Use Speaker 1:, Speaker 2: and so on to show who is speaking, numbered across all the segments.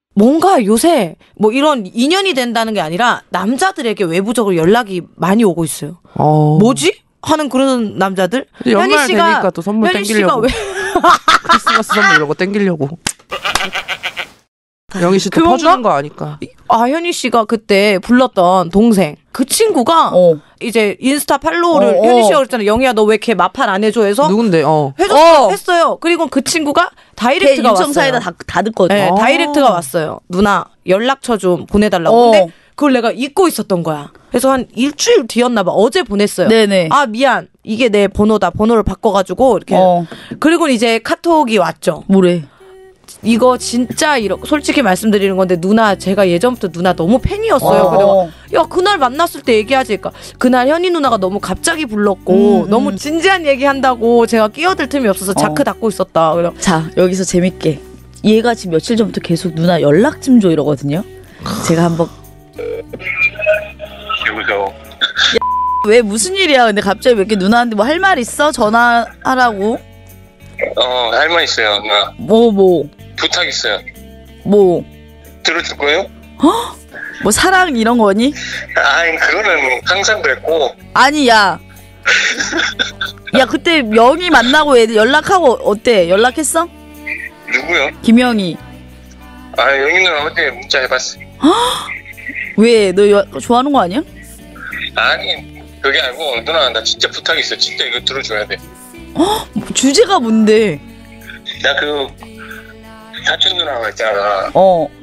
Speaker 1: 뭔가 요새 뭐 이런 인연이 된다는 게 아니라 남자들에게 외부적으로 연락이 많이 오고 있어요. 뭐지? 하는 그런 남자들.
Speaker 2: 연말 되니까 또 선물 땡기려고. 크리스마스 선물 이런 거 땡기려고. 영희 씨 또 퍼주는 거 아니까.
Speaker 1: 현희 씨가 그때 불렀던 동생 그 친구가 이제 인스타 팔로우를 현희 씨가 그랬잖아요. 영희야 너 왜 걔 마팔 안 해줘 해서
Speaker 2: 누군데?
Speaker 1: 했어요. 그리고 그 친구가 다이렉트가 왔어요.
Speaker 3: 사이다 다 듣거든.
Speaker 1: 네, 다이렉트가 왔어요. 누나 연락처 좀 보내달라고. 근데 그걸 내가 잊고 있었던 거야. 그래서 한 일주일 뒤였나 봐. 어제 보냈어요.
Speaker 3: 네네.
Speaker 1: 아 미안. 이게 내 번호다. 번호를 바꿔가지고 이렇게. 그리고 이제 카톡이 왔죠.
Speaker 3: 뭐래?
Speaker 1: 이거 진짜 솔직히 말씀드리는 건데 누나 제가 예전부터 누나 너무 팬이었어요. 그래서 야 그날 만났을 때 얘기하지. 그러니까 그날 현희 누나가 너무 갑자기 불렀고 너무 진지한 얘기한다고 제가 끼어들 틈이 없어서 자크 닫고 있었다. 그래서
Speaker 3: 자 여기서 재밌게 얘가 지금 며칠 전부터 계속 누나 연락 좀 줘 이러거든요. 제가 한번
Speaker 4: 여보세요.
Speaker 3: 왜 무슨 일이야? 근데 갑자기 왜 이렇게 누나한테 뭐 할 말 있어? 전화하라고?
Speaker 4: 할 말 있어요, 누나.
Speaker 3: 뭐
Speaker 4: 부탁 있어요.
Speaker 3: 뭐
Speaker 4: 들어줄 거예요?
Speaker 3: 뭐 사랑 이런 거니?
Speaker 4: 아니 그거는 항상 그랬고.
Speaker 3: 아니 야 그때 영희 만나고 애들 연락하고 어때? 연락했어?
Speaker 4: 누구요?
Speaker 3: 김영희.
Speaker 4: 영희 누나 어제 문자 해봤어.
Speaker 3: 왜? 너 좋아하는 거 아니야?
Speaker 4: 아니 그게 아니고 누나 나 진짜 부탁 있어. 진짜 이거 들어줘야 돼.
Speaker 3: 주제가 뭔데?
Speaker 4: 나 그 사촌 누나가 있잖아.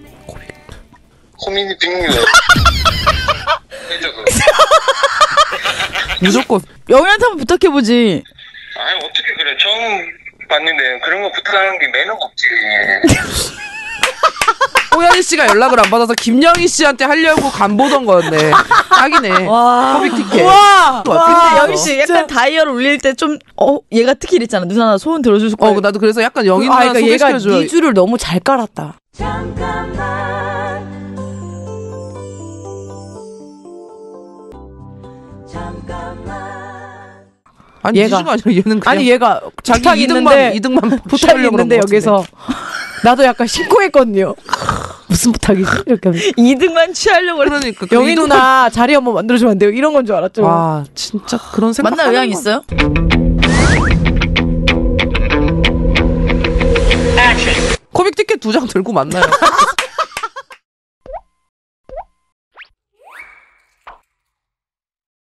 Speaker 4: 코미디 빅뉴 해줘 그거.
Speaker 2: 무조건
Speaker 3: 영희한테 한번 부탁해보지.
Speaker 4: 아니 어떻게 그래. 처음 봤는데 그런 거 부탁하는 게 매너가 없지.
Speaker 2: 호연희 씨가 연락을 안 받아서 김영희 씨한테 하려고 간보던 거였네. 딱이네. 커빅 티켓.
Speaker 3: 근데 영희 씨 약간 다이얼 울릴 때 좀 얘가 특히 이랬잖아. 누나 나 소원 들어줄 거야.
Speaker 2: 나도 그래서 약간 영희 누나
Speaker 1: 그러니까 얘가
Speaker 2: 소개시켜줘야.
Speaker 1: 네 줄을 너무 잘 깔았다.
Speaker 2: 아니
Speaker 1: 얘가
Speaker 2: 아니라 얘는 그냥
Speaker 1: 얘가
Speaker 2: 자기 이득만
Speaker 1: 부탁이 있는데 여기서 나도 약간 심쿵했거든요. 무슨 부탁이지? 이렇게 하면.
Speaker 3: 이득만 취하려고
Speaker 2: 그러니까
Speaker 1: 영희 누나 자리 한번 만들어주면 안 돼요? 이런 건 줄 알았죠.
Speaker 2: 와 진짜 그런 생각
Speaker 3: 만날 의향 있어요?
Speaker 2: 코믹 티켓 2장 들고 만나요.